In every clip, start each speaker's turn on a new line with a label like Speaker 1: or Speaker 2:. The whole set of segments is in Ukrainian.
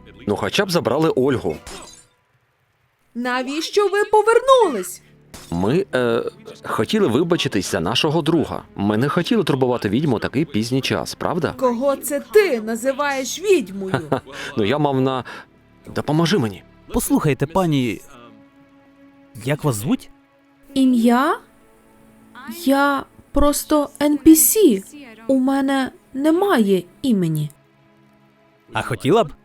Speaker 1: Ну хоча б забрали Ольгу.
Speaker 2: Навіщо ви повернулись?
Speaker 1: Ми, хотіли вибачитись за нашого друга. Ми не хотіли турбувати відьму у такий пізній час, правда?
Speaker 2: Кого це ти називаєш відьмою?
Speaker 1: Ну я мав на... Допоможи мені.
Speaker 3: Послухайте, пані. Як вас звуть?
Speaker 2: Ім'я? Я просто NPC. У мене немає імені.
Speaker 3: А хотіла б?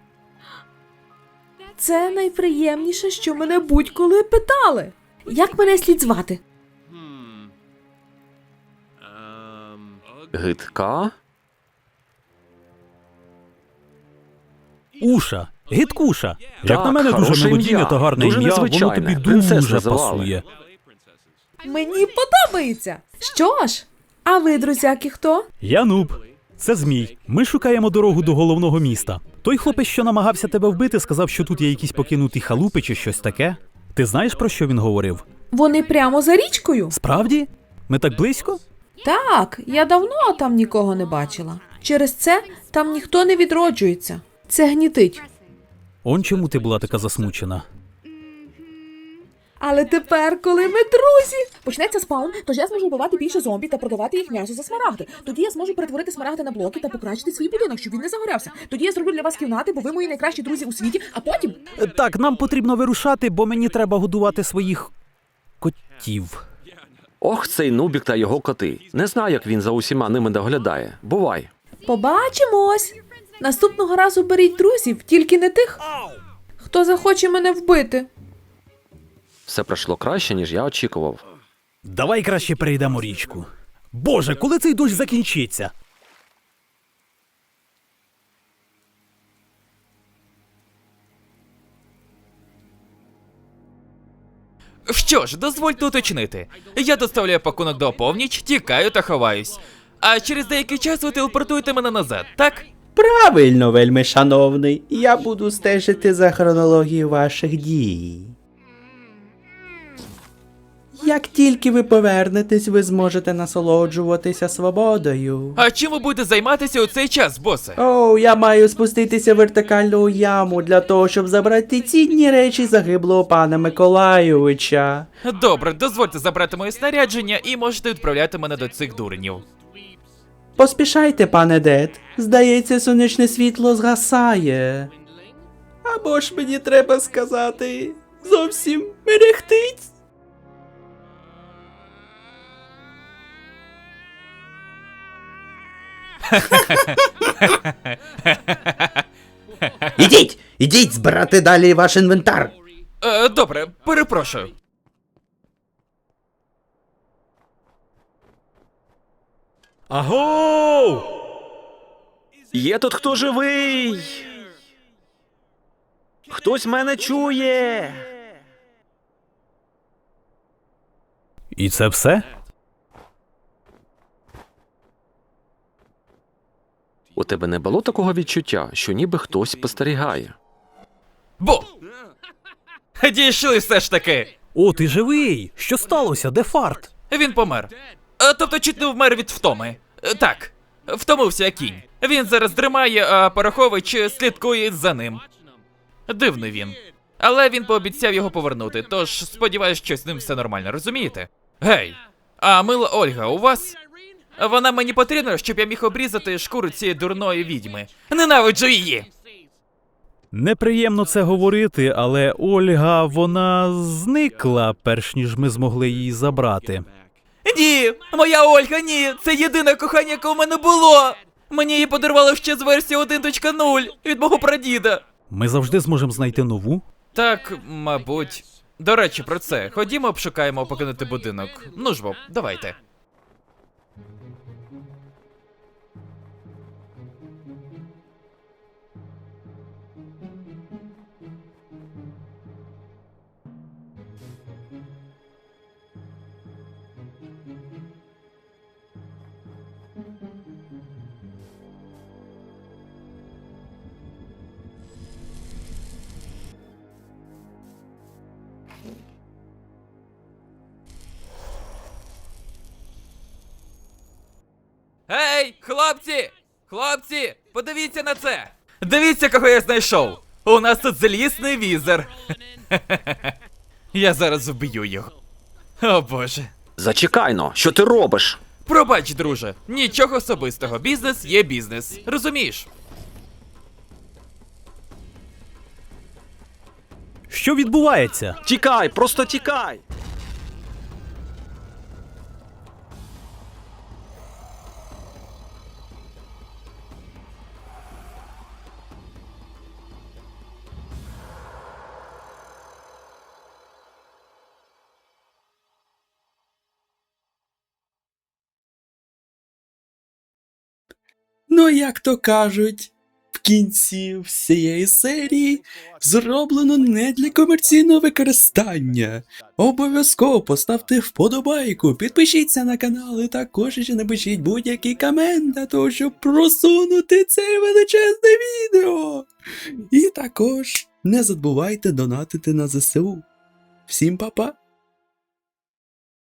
Speaker 2: Це найприємніше, що мене будь-коли питали. Як мене слід звати?
Speaker 1: Гидка?
Speaker 3: Уша. Гидкуша. Як
Speaker 1: Так,
Speaker 3: на мене, дуже
Speaker 1: хороше
Speaker 3: мелодійне
Speaker 1: ім'я.
Speaker 3: та гарне
Speaker 1: Дуже
Speaker 3: ім'я, воно
Speaker 1: незвичайне.
Speaker 3: тобі
Speaker 1: Принцес
Speaker 3: дуже
Speaker 1: називали.
Speaker 3: пасує.
Speaker 2: Мені подобається. Що ж, а ви, друзяки, хто?
Speaker 3: Я Нуб. Це Змій. Ми шукаємо дорогу до головного міста. Той хлопець, що намагався тебе вбити, сказав, що тут є якісь покинуті халупи чи щось таке. Ти знаєш, про що він говорив?
Speaker 2: Вони прямо за річкою?
Speaker 3: Справді? Ми так близько?
Speaker 2: Так, я давно там нікого не бачила. Через це там ніхто не відроджується. Це гнітить.
Speaker 3: Он чому ти була така засмучена?
Speaker 2: Але тепер, коли ми друзі, почнеться спаун, тож я зможу вбивати більше зомбі та продавати їх м'ясо за смарагди. Тоді я зможу перетворити смарагди на блоки та покращити свій будинок, щоб він не загорявся. Тоді я зроблю для вас кімнати, бо ви мої найкращі друзі у світі, а потім...
Speaker 3: Так, нам потрібно вирушати, бо мені треба годувати своїх котів.
Speaker 1: Ох, цей Нубік та його коти. Не знаю, як він за усіма ними доглядає. Бувай.
Speaker 2: Побачимось! Наступного разу беріть друзів, тільки не тих, хто захоче мене вбити.
Speaker 1: Все пройшло краще, ніж я очікував.
Speaker 3: Давай краще перейдемо річку. Боже, коли цей дощ закінчиться?
Speaker 4: Що ж, дозвольте уточнити. Я доставляю пакунок до опівніч, тікаю та ховаюсь. А через деякий час ви телепортуєте мене назад, так?
Speaker 5: Правильно, вельми шановний. Я буду стежити за хронологією ваших дій. Як тільки ви повернетесь, ви зможете насолоджуватися свободою.
Speaker 4: А чим ви будете займатися у цей час, босе?
Speaker 5: Оу, я маю спуститися вертикально у яму для того, щоб забрати цінні речі загиблого пана Миколайовича.
Speaker 4: Добре, дозвольте забрати моє снарядження і можете відправляти мене до цих дурнів.
Speaker 5: Поспішайте, пане Дед. Здається, сонячне світло згасає. Або ж мені треба сказати, зовсім мерехтить. Ідіть збирати далі ваш інвентар.
Speaker 4: Добре, перепрошую.
Speaker 3: Агоу!
Speaker 1: Є тут хто живий? Хтось мене чує.
Speaker 3: І це все?
Speaker 1: У тебе не було такого відчуття, що ніби хтось спостерігає?
Speaker 4: Бо! Дійшли все ж таки!
Speaker 3: О, ти живий! Що сталося? Де фарт?
Speaker 4: Він помер. Тобто чуть не вмер від втоми. Так, втомився як кінь. Він зараз дримає, а Порохович слідкує за ним. Дивний він. Але він пообіцяв його повернути, тож сподіваюсь, що з ним все нормально, розумієте? Гей, а мила Ольга у вас? Вона мені потрібна, щоб я міг обрізати шкуру цієї дурної відьми. Ненавиджу її!
Speaker 3: Неприємно це говорити, але Ольга, вона зникла, перш ніж ми змогли її забрати.
Speaker 4: Ні! Моя Ольга, ні! Це єдине кохання, яке у мене було! Мені її подарували ще з версії 1.0 від мого прадіда.
Speaker 3: Ми завжди зможемо знайти нову.
Speaker 4: Так, мабуть. До речі, про це. Ходімо, обшукаємо покинути будинок. Ну ж бо, давайте. Гей, хлопці! Хлопці, подивіться на це! Дивіться, кого я знайшов! У нас тут злісний візер. Я зараз вб'ю його. О боже.
Speaker 1: Зачекайно, що ти робиш?
Speaker 4: Пробач, друже, нічого особистого. Бізнес є бізнес. Розумієш?
Speaker 3: Що відбувається?
Speaker 1: Тікай, просто тікай!
Speaker 5: Ну, як то кажуть, в кінці всієї серії зроблено не для комерційного використання. Обов'язково поставте вподобайку, підпишіться на канал і також ще напишіть будь-який комент для того, щоб просунути це величезне відео. І також не забувайте донатити на ЗСУ. Всім па-па!